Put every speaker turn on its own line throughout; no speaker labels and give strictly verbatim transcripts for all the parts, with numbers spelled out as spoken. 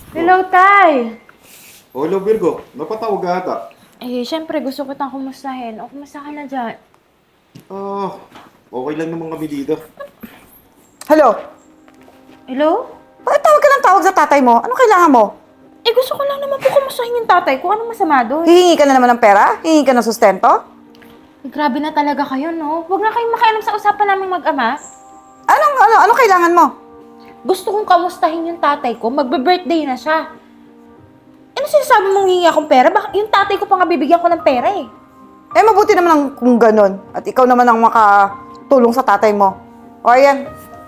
Hello, Tay!
O, hello Virgo. Napatawag ka ata.
Eh, syempre, gusto ko tang kumustahin. O, kumusta ka na dyan?
Ah, okay lang naman kami dito.
Hello?
Hello?
Bakit tawag ka ng tawag sa tatay mo? Ano kailangan mo?
Eh, gusto ko lang naman po kumustahin yung tatay ko. Anong masama doon?
Hihingi ka na naman ng pera? Hihingi ka ng sustento?
Eh, grabe na talaga kayo, no? Huwag na kayong makialam sa usapan naming mag-ama.
Anong, ano, ano kailangan mo?
Gusto kong kamustahin yung tatay ko. Magbe-birthday na siya. Ano sinasabi mong hihingi akong pera? Baka yung tatay ko pa nga bibigyan ko ng pera eh.
Eh, mabuti naman ang kung ganun. At ikaw naman ang makatulong sa tatay mo. O, ayan.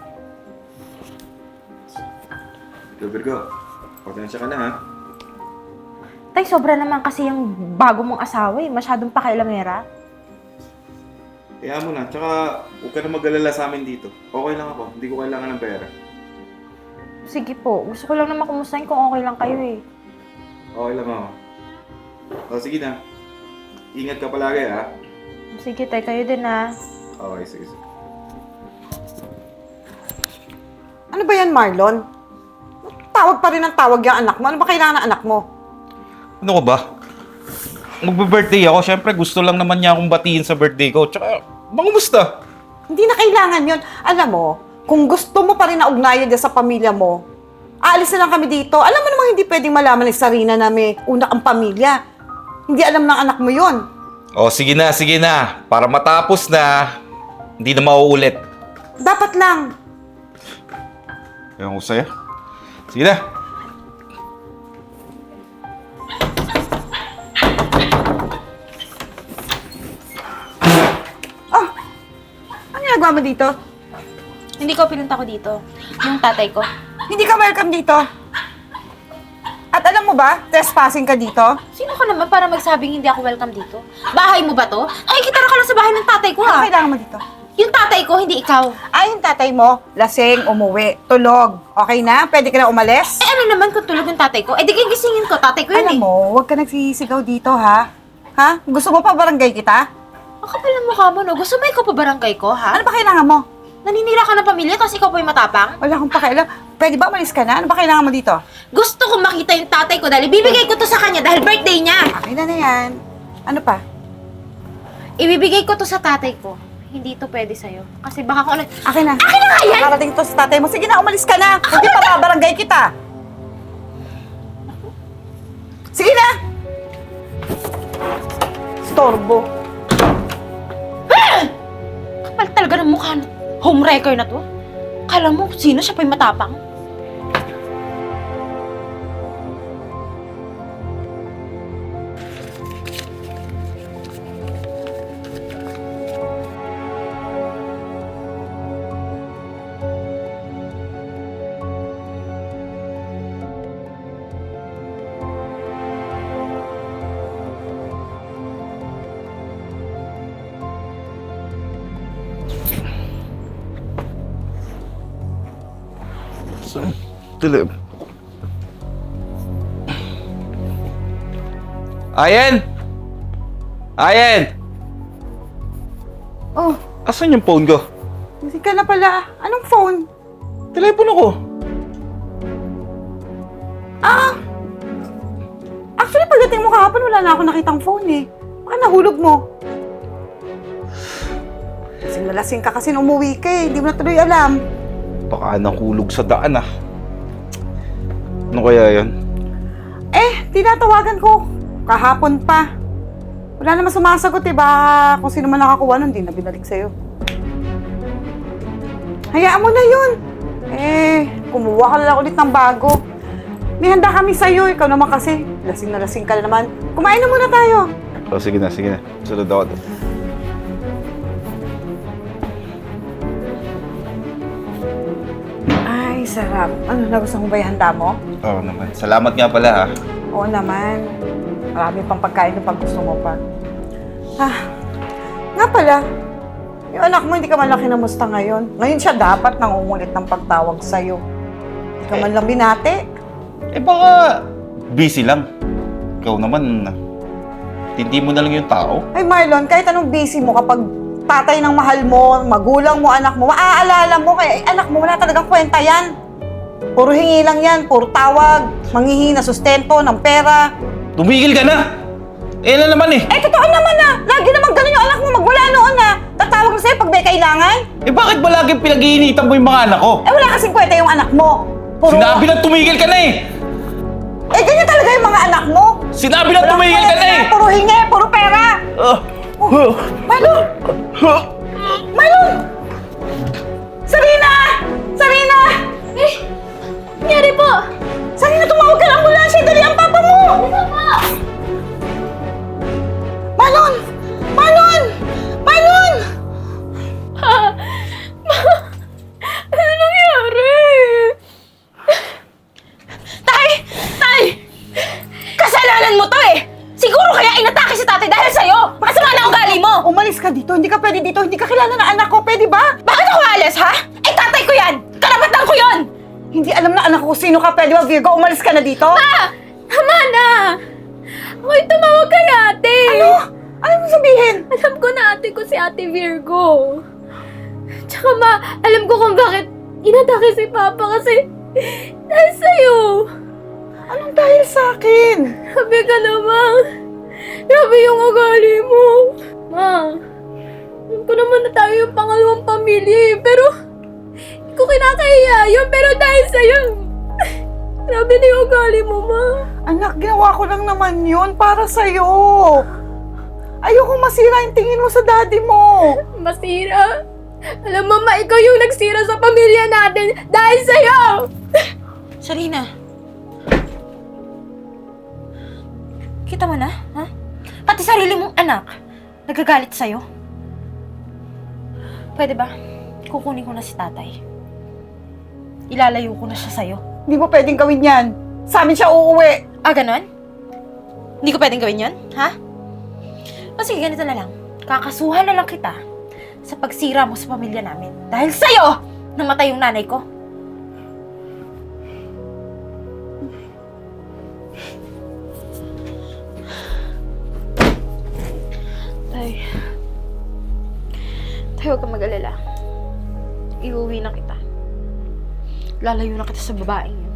Hello Virgo. Pasensya ka na ha.
Tay, sobra naman kasi yung bago mong asawa eh. Masyadong pakailamera.
Kaya mo na. Tsaka, huwag ka na mag-alala sa amin dito. Okay lang ako. Hindi ko kailangan ng pera.
Sige po. Gusto ko lang naman kumustahin kung okay lang kayo eh.
Okay lang ako. O, sige na. Ingat ka palagi ha.
Sige, tay. Kayo din ah.
Okay, sige, sige.
Ano ba yan, Marlon? Tawag pa rin ang tawag yung anak mo. Ano ba kailangan ng anak mo?
Ano ko ba? Magbe-birthday ako, syempre gusto lang naman niya akong batiin sa birthday ko. Tsaka, mangumusta?
Hindi na kailangan yun. Alam mo, kung gusto mo pa rin na ugnayan dyan sa pamilya mo, aalis na lang kami dito. Alam mo namang hindi pwedeng malaman ni Sarina na may una kang pamilya. Hindi alam ng anak mo yun.
O, sige na, sige na. Para matapos na, hindi na mauulit.
Dapat lang.
Ewan ko sa'yo. Sige na.
Oh, ano ginagawa mo dito?
Hindi ko pinunta ko dito. Yung tatay ko.
Hindi ka welcome dito. At alam mo ba, trespassing ka dito?
Sino ka naman para magsabing hindi ako welcome dito? Bahay mo ba to? Nakikita na ka lang sa bahay ng tatay ko
Ano
ah.
kailangan mo dito?
Yung tatay ko, hindi ikaw.
Ay, yung tatay mo, lasing, umuwi, tulog. Okay na? Pwede ka na umalis?
Eh ano naman kung tulog yung tatay ko? Eh di gigisingin ko, tatay ko yun
Alam
eh.
mo, huwag ka nagsisigaw dito, ha? Ha? Gusto mo pa barangay kita?
Ang kapal ng mukha mo no? Gusto mo ikaw pa barangay ko ha?
Ano ba kailangan mo?
Naninira ka ng pamilya tapos ikaw pa yung matapang?
Wala akong pakialam. Pwede ba umalis ka na? Ano ba kailangan mo dito?
Gusto ko makita yung tatay ko dahil ibibigay ko to sa kanya dahil birthday niya.
Akin na na yan. Ano pa?
Ibibigay ko to sa tatay ko. Hindi to pwede sa'yo. Kasi baka kung ano...
Akin na.
Akin na nga yan!
Nakarating to sa tatay mo. Sige na, umalis ka na. Hindi pa babarangay kita. Sige na! Storbo.
Kapal talaga ng mukha. Homewrecker na to. Kala mo, sino siya pa yung matapang?
Dilim. Ayen! Ayen!
Oh,
Asan yung phone ko?
hindi ka na pala. Anong phone?
Telepono ko.
Ah! Actually, pagdating mo kahapon, wala na ako nakitang phone eh. Baka nahulog mo. Lasing na lasing ka kasi nung umuwi ka eh. Hindi mo na tuloy alam.
Baka nahulog sa daan ah. Ano kaya yun?
Eh, tinatawagan ko. Kahapon pa. Wala naman sumasagot eh. Baka kung sino man nakakuha nun, di na binalik sa'yo. Hayaan mo na yun. Eh, kumuha ka na lang ulit ng bago. May handa kami sa'yo. Ikaw naman kasi. Lasing na lasing ka na naman. Kumain na muna tayo.
Oh, sige na, sige na. Sunod ako.
Ay, sarap. Ano, nagustuhan mo ba yung handa mo?
Oo naman. Salamat nga pala ha.
Oo naman. Marami pang pagkain ng pag gusto mo pa. Ah, nga pala. Yung anak mo, hindi ka man lang kinamusta ngayon. Ngayon siya dapat nangungulit ng pagtawag sa'yo. Hindi ka man lang binati.
Eh baka busy lang. Ikaw naman, hindi mo na lang yung tao.
Ay Marlon, kahit anong busy mo kapag tatay ng mahal mo, magulang mo, anak mo, maaalala mo, kaya anak mo, wala talagang kwenta yan. Puro hingi lang yan, puro tawag, manghihingi na sustento, ng pera.
Tumigil ka na! Eh na naman eh!
Eh, totoo naman na! Lagi naman ganun yung anak mo magmula noon na tatawag na sa'yo pag may kailangan.
Eh bakit ba lagi pinag-iinitan mo yung mga anak ko?
Eh, wala kasing kwenta yung anak mo. Puro...
Sinabi na tumigil ka na eh!
Eh, ganyan talaga yung mga anak mo.
Sinabi na
Walang
tumigil ka na
kwenta,
eh!
Puro hingi, puro pera.
Ah.
Oh, Marlon! Marlon! Sarina! Sarina!
Eh, nangyari po?
Sarina, tumawag ka ng ambulansya! Dali ang papa mo!
Ano po?
Marlon! Marlon! Marlon!
Ha? Ano nangyari? Tay! Tay! Kasalanan mo to eh! Siguro kaya inatake si tatay dahil sa'yo! Makasama na ugali mo!
Umalis ka dito. Hindi ka pwede dito. Hindi ka kilala ng anak ko. Pwede ba?
Bakit ako alis, ha? Eh, tatay ko yan! Karapatan ko yon!
Hindi alam na anak ko kung sino ka. Pwede ba, Virgo? Umalis ka na dito.
Ma! Tama na! Ako'y tumawag kay ate!
Ano? Ano mo sabihin?
Alam ko na ate ko si ate Virgo. Tsaka ma, alam ko kung bakit inatake si Papa kasi dahil sa'yo.
Anong dahil sa akin?
Grabe ka naman. Grabe yung ugali mo. Ma, alam ko naman na tayo yung pangalawang pamilya eh, pero hindi ko kinakahiya yun, pero dahil sa'yo, grabe na yung ugali mo, ma.
Anak, ginawa ko lang naman yun para sa'yo. Ayoko masira yung tingin mo sa daddy mo.
Masira. Alam mo, ma, ikaw yung nagsira sa pamilya natin dahil sa'yo! Sarina. Kita mo na, ha? Pati sarili mong anak, nagagalit sa'yo. Pwede ba? Kukunin ko na si tatay. Ilalayo ko na siya sa'yo.
Hindi mo pwedeng gawin yan. Sa amin siya uuwi.
Ah, ganon? Hindi ko pwedeng gawin yun, ha? O sige, ganito na lang. Kakasuhan na lang kita sa pagsira mo sa pamilya namin. Dahil sa'yo, namatay yung nanay ko. Tay. Tay, huwag kang mag-alala. Iuwi na kita. Lalayo na kita sa babaeng yun.